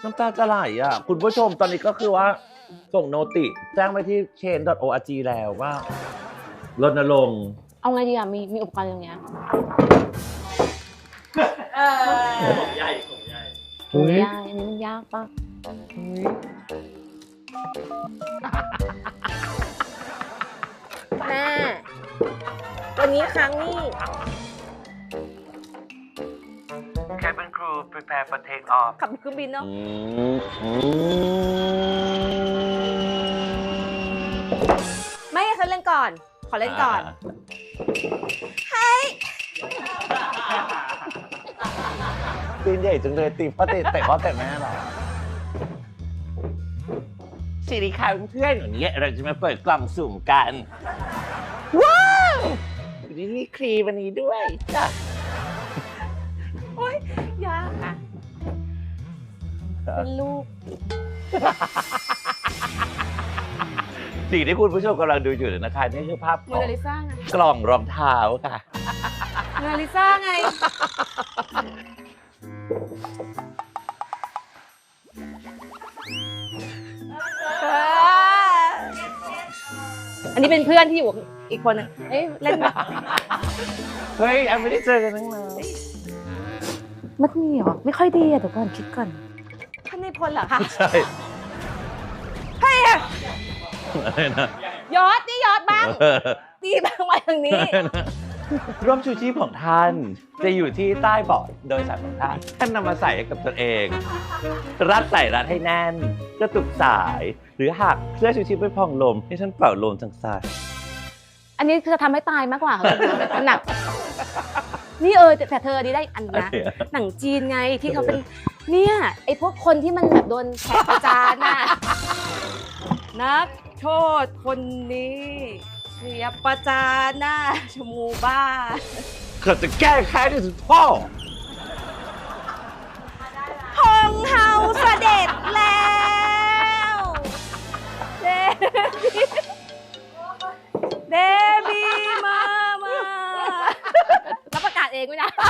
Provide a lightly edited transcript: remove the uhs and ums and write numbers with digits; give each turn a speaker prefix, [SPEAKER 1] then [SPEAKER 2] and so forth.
[SPEAKER 1] น้ำตาจะไหลอ่ะคุณผู้ชมตอนนี้ก็คือว่าส่งโนติแจ้งไปที่ chain.org แล้วว่ารณรงค์
[SPEAKER 2] เอาไงดีอ่ะมีอุปกรณ์อย่างเงี้ย
[SPEAKER 3] ของใหญ่
[SPEAKER 2] ยากอันนี้มันยากปะแม่วันนี้ครั้งนี้
[SPEAKER 1] Cabin crew prepare for take off
[SPEAKER 2] ขับเครื่องบินเนาะไม่ให้เขาเล่นก่อน ขอเล่นก่อน
[SPEAKER 1] ตีนใหญ่จังเลยตีพ่อเตะพ่อแต่แม่เหรอสวัสดีค่ะเพื่อนๆวันนี้เราจะมาเปิดกล่องสุ่มกัน ว้าวนี่มีครีมวันนี้ด้วยจ้ะ
[SPEAKER 2] โอ๊ยยากอ่ะเป็นลูก
[SPEAKER 1] สิ่งที่คุณผู้ชมกำลังดูอยู่นะคะนี่คือภาพ
[SPEAKER 2] โม
[SPEAKER 1] ของ
[SPEAKER 2] นาลิซาไง
[SPEAKER 1] กล่องรองเท้าค่ะ
[SPEAKER 2] โมนาลิซาไง อันนี้เป็นเพื่อนที่อยู่อีกคนนึงเอ้ยเล่นไหม
[SPEAKER 1] เฮ้ยอันไม่ได้เจอกันตั้งนาน
[SPEAKER 2] มันมีเหรอ ไม่ค่อยดีอ่ะเดี๋ยวก่อนคิดก่อนท่านในพลเหรอคะ
[SPEAKER 1] ใช่
[SPEAKER 2] เฮ้ย
[SPEAKER 1] อะไรนะ
[SPEAKER 2] ยอดนี่ยอดบ้างตีบ้างมาทางนี้
[SPEAKER 1] ร่มชูชีพของท่านจะอยู่ที่ใต้เบาะโดยสารของท่านท่านนำมาใส่ให้กับตัวเอง รัดให้แน่นกระตุกสาย หรือหากเสื้อชูชีพไม่พองลมให้ท่านเป่าลมทางซ้าย
[SPEAKER 2] อันนี้คือจะทำให้ตายมากกว่าหนัก นี่แต่เธออันนี้ได้อันนะ หนังจีนไงที่เขาเป็นเนี่ยไอพวกคนที่มันแบบโดนแขกประจานน่ะนักโทษคนนี้เสียประจานหน้าชมูบ้า
[SPEAKER 1] เขาจะแก้แค้นที่สุดพ่อ
[SPEAKER 2] พงเฮาเสด็จแล้วเดบีมาแล้วประกาศเองไม่ได้